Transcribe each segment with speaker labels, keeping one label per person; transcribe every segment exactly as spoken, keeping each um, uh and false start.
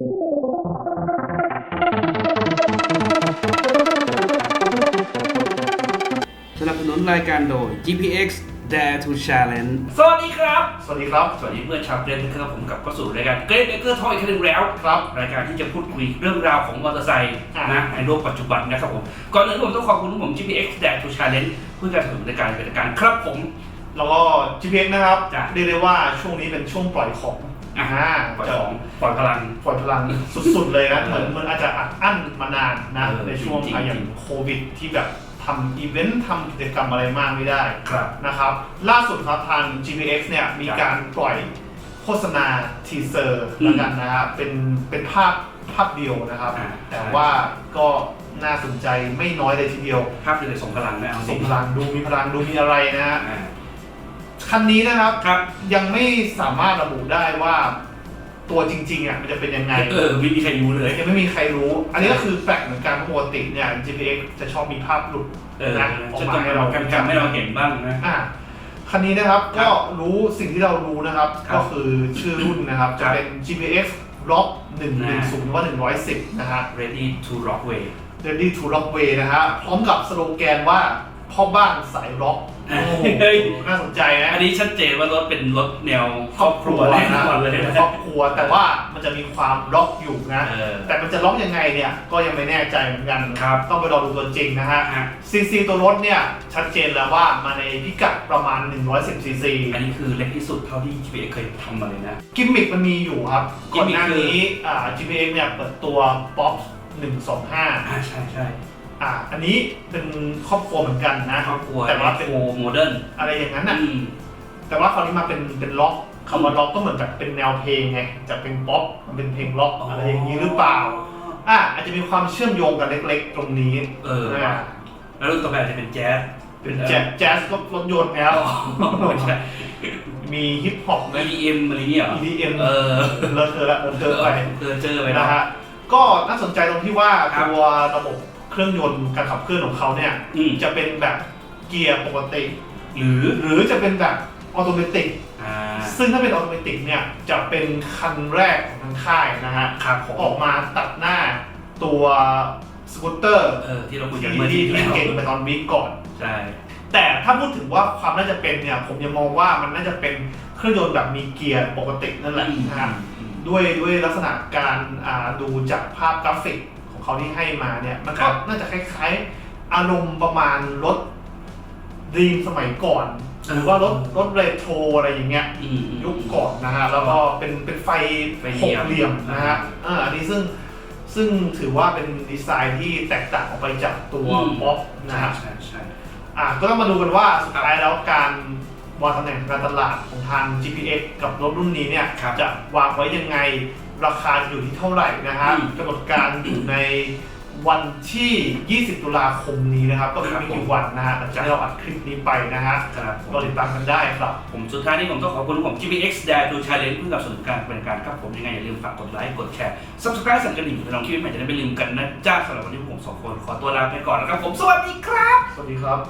Speaker 1: สนับสนุนรายการโดย จี พี เอ็กซ์ Dare to Challenge
Speaker 2: สวัสดีครับ
Speaker 3: สวัสดีครับ
Speaker 2: สวัสดีเพื่อนชาวเกรนนะครับผมกลับเข้าสู่รายการเกรนเบเกอร์ทอยอีกครั้งหนึ่งแล้ว
Speaker 3: ครับ
Speaker 2: รายการที่จะพูดคุยเรื่องราวของมอเตอร์ไซค์
Speaker 3: อ่ะ
Speaker 2: นะในโลกปัจจุบันนะครับผมก่อนอื่นผมต้องขอบคุณผม จี พี เอ็กซ์ Dare to Challenge เพื่อการสนับสนุนรายการเป็นรายการครับผม
Speaker 3: แล้วก็ จี พี เอ็กซ์ นะครับ
Speaker 2: จ้ะ
Speaker 3: เรียกได้ว่าช่วงนี้เป็นช่วงปล่อยของ
Speaker 2: อ่ะ
Speaker 3: อ่า
Speaker 2: ปล่อยของปล่อยพลัง
Speaker 3: ปล่อยพลังสุดๆเลยนะ
Speaker 2: เออ
Speaker 3: เหมือนมันอาจจะอัดอั้นมานานนะ
Speaker 2: เออ
Speaker 3: ในช่วง
Speaker 2: จริงๆ
Speaker 3: อ่ะอย่างโควิดที่แบบทำอีเวนต์ทำกิจกรรมอะไรมากไม่ได้
Speaker 2: ครับ
Speaker 3: นะครับ ล่าสุดครับทาง จี พี เอ็กซ์ เนี่ยมีการปล่อยโฆษณาทีเซอร์
Speaker 2: อืม
Speaker 3: แล้วกันนะครับเป็นเป็นภาพภาพเดียวนะครับ
Speaker 2: อ่า
Speaker 3: แต่ว่าก็น่าสนใจไม่น้อยเลยทีเดียว
Speaker 2: ภาพเลยส่งพลังนะเอาจ
Speaker 3: ส่
Speaker 2: ริ
Speaker 3: ง
Speaker 2: ง
Speaker 3: พลังดูมีพลังดูมีอะไรนะฮะ
Speaker 2: อ่า
Speaker 3: คันนี้นะครับ
Speaker 2: ครับ
Speaker 3: ยังไม่สามารถระบุได้ว่าตัวจริงๆอ่ะมันจะเป็นยังไง
Speaker 2: เออไม่มีใครรู้เลย
Speaker 3: ยังไม่มีใครรู้ อันนี้ก็คือแปลกเหมือนกันเพราะปกติเนี่ย จี พี เอ็กซ์ จะชอบมีภาพหลุด
Speaker 2: เออ
Speaker 3: นะออก
Speaker 2: จะ
Speaker 3: มา
Speaker 2: ต้อง
Speaker 3: ให้
Speaker 2: ให้
Speaker 3: เรา
Speaker 2: เราแกมๆให้เราเห็นบ้างนะ
Speaker 3: อ่ะคันนี้นะครับ
Speaker 2: ครั
Speaker 3: ก็
Speaker 2: บ
Speaker 3: รู้สิ่งที่เรารู้นะครับ
Speaker 2: ครับ
Speaker 3: ก็คือชื่อรุ่นนะครับ
Speaker 2: ค
Speaker 3: จะ
Speaker 2: รับ
Speaker 3: เป็น จี พี เอ็กซ์ Rock หนึ่งหนึ่งศูนย์หรือว่าหนึ่งร้อยสิบนะฮะ
Speaker 2: ready to rock way
Speaker 3: Ready to Rock Way นะฮะพร้อมกับสโลแกนว่าพ่อบ้านสายร็อก
Speaker 2: อ่ะ
Speaker 3: โอ้โห
Speaker 2: เฮ้ย
Speaker 3: น่าสนใจนะ
Speaker 2: อันนี้ชัดเจนว่ารถเป็นรถแนว
Speaker 3: ครอบครัว
Speaker 2: แน่
Speaker 3: นะ
Speaker 2: นอนเลย
Speaker 3: เป็นครอบครัวแต่ว่ามันจะมีความล็อกอยู่นะ
Speaker 2: เออ
Speaker 3: แต่มันจะล็อกยังไงเนี่ยก็ยังไม่แน่ใจเหมือนกัน
Speaker 2: ครับ
Speaker 3: ต้องไปรอดูตัวจริงนะฮะ
Speaker 2: ฮะ
Speaker 3: ซีซีตัวรถเนี่ยชัดเจนแล้วว่ามาในพิกัดประมาณหนึ่งร้อยสิบซีซี
Speaker 2: อันนี้คือเล็กที่สุดเท่าที่ จี พี เอ็กซ์ เคยทำมาเลยนะ
Speaker 3: กิมมิคมันมีอยู่ครับ
Speaker 2: กิ
Speaker 3: ก่
Speaker 2: ม
Speaker 3: อน
Speaker 2: มิค
Speaker 3: หน้า
Speaker 2: คือ
Speaker 3: นี้อ่า จี พี เอ็กซ์ เนี่ยเปิดตัว ป๊อป หนึ่งสองห้า
Speaker 2: อ่าใช่ใช่
Speaker 3: อ่าอันนี้เป็นครอบครัวเหมือนกันนะ
Speaker 2: ครอบครัว
Speaker 3: แต่ว่าเป็น
Speaker 2: โโมเดิร์น
Speaker 3: อะไรอย่างนั้น
Speaker 2: อื
Speaker 3: น่ะ
Speaker 2: ม
Speaker 3: แต่ว่าคราวนี้มาเป็นเป็นล็อกคำว่าล็อกก็เหมือนแบบเป็นแนวเพลงไงจากเป็นป๊อปมันเป็นเพลงล็อกอะไรอย่างนี้หรือเปล่าอ่ะอาจจะมีความเชื่อมโยงกันเล็กๆ ตรงนี้
Speaker 2: เออ
Speaker 3: นะ
Speaker 2: แล้วรุ่นต่อไปอาจจะเป็นแจ๊ส
Speaker 3: เป็นแจ๊สแจ๊สก็รถยนต์แล้ว
Speaker 2: ไม่ใช่
Speaker 3: มีฮิปฮอปไหม
Speaker 2: อี ดี เอ็ม อะไรเงี้ยเหรอ
Speaker 3: อี ดี เอ็ม
Speaker 2: เออ
Speaker 3: เลอะเทอะละเลอะเทอะไป
Speaker 2: เออเจอไป
Speaker 3: นะ
Speaker 2: นะ
Speaker 3: ฮะก็น่าสนใจตรงที่ว่า
Speaker 2: ครับ
Speaker 3: ตัวระบบเครื่องยนต์การขับเคลื่อนของเขาเนี่ย
Speaker 2: อืม
Speaker 3: จะเป็นแบบเกียร์ปกติ
Speaker 2: หรือ
Speaker 3: หรือจะเป็นแบบออโตเมติก
Speaker 2: อ่า
Speaker 3: ซึ่งถ้าเป็นออโตเมติกเนี่ยจะเป็นคันแรกของทางค่ายนะฮะ
Speaker 2: ครับผม
Speaker 3: ออกมาตัดหน้าตัวสกูตเตอร์
Speaker 2: เออที่เราคุย
Speaker 3: ที่
Speaker 2: กันเมื่อ
Speaker 3: ที่
Speaker 2: ที่
Speaker 3: ที่
Speaker 2: แล้ว
Speaker 3: เก่งไปตอนวีคก่อน
Speaker 2: ใช่
Speaker 3: แต่ถ้าพูดถึงว่าความน่าจะเป็นเนี่ยผมยังมองว่ามันน่าจะเป็นเครื่องยนต์แบบมีเกียร์ปกตินั่นแหละนะฮะ
Speaker 2: อืม
Speaker 3: ด้วยด้วยลักษณะการอ่าดูจากภาพกราฟิกของเขาที่ให้มาเนี่ยมัน
Speaker 2: ค
Speaker 3: ก็
Speaker 2: รับ
Speaker 3: น่าจะคล้ายๆ อารมณ์ประมาณรถดีมสมัยก่อน หรือว่ารถรถเรโทรอะไรอย่างเงี้ย
Speaker 2: อืมอืม
Speaker 3: ยุคก่อนนะฮะแล้วก็เป็นเป็นไฟ
Speaker 2: ไฟ
Speaker 3: ห
Speaker 2: เหลี่
Speaker 3: ก
Speaker 2: ยม
Speaker 3: เหลี่ยมนะฮะอ่าอันนี้ซึ่งซึ่งถือว่าเป็นดีไซน์ที่แตกต่างออกไปจากตัวม็อบนะฮะ
Speaker 2: ใช่ใช่
Speaker 3: อ่าก็ต้องมาดูกันว่าสุดท้ายแล้วการวางตำแหน่งการตลาดของทาง จี พี เอ็กซ์ กับรถรุ่นนี้เนี่ย
Speaker 2: ครับ
Speaker 3: จะวางไว้ยังไงราคาจะอยู่ที่เท่าไหร่นะฮะ
Speaker 2: อืม
Speaker 3: กำหนดการอยู่ในวันที่ ยี่สิบ ตุลาคมนี้นะครับ ก็คือไม่กี่วันนะฮะหลังจากที่เราอัดคลิปนี้ไปนะฮะ
Speaker 2: ครับผม
Speaker 3: ก็ติดตามกันได้ครับ
Speaker 2: ผมสุดท้ายนี้ผมต้องขอบคุณผม จี พี เอ็กซ์ Dare to Challenge เพื่อสนับสนุนการเป็นการครับผมยังไงอย่าลืมฝากกดไลค์กดแชร์ Subscribe สั่นกระดิ่งเพื่อลองคลิปใหม่จะได้ไม่ลืมกันนะจ้าสำหรับวันนี้ผมสองคนขอตัวลาไปก่อนนะครับผมสวัสดีครับ
Speaker 3: สวัสดีครับ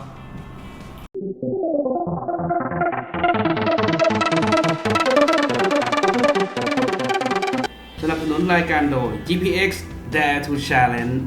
Speaker 1: สนับสนุนรายการโดย จี พี เอ็กซ์ Dare to Challenge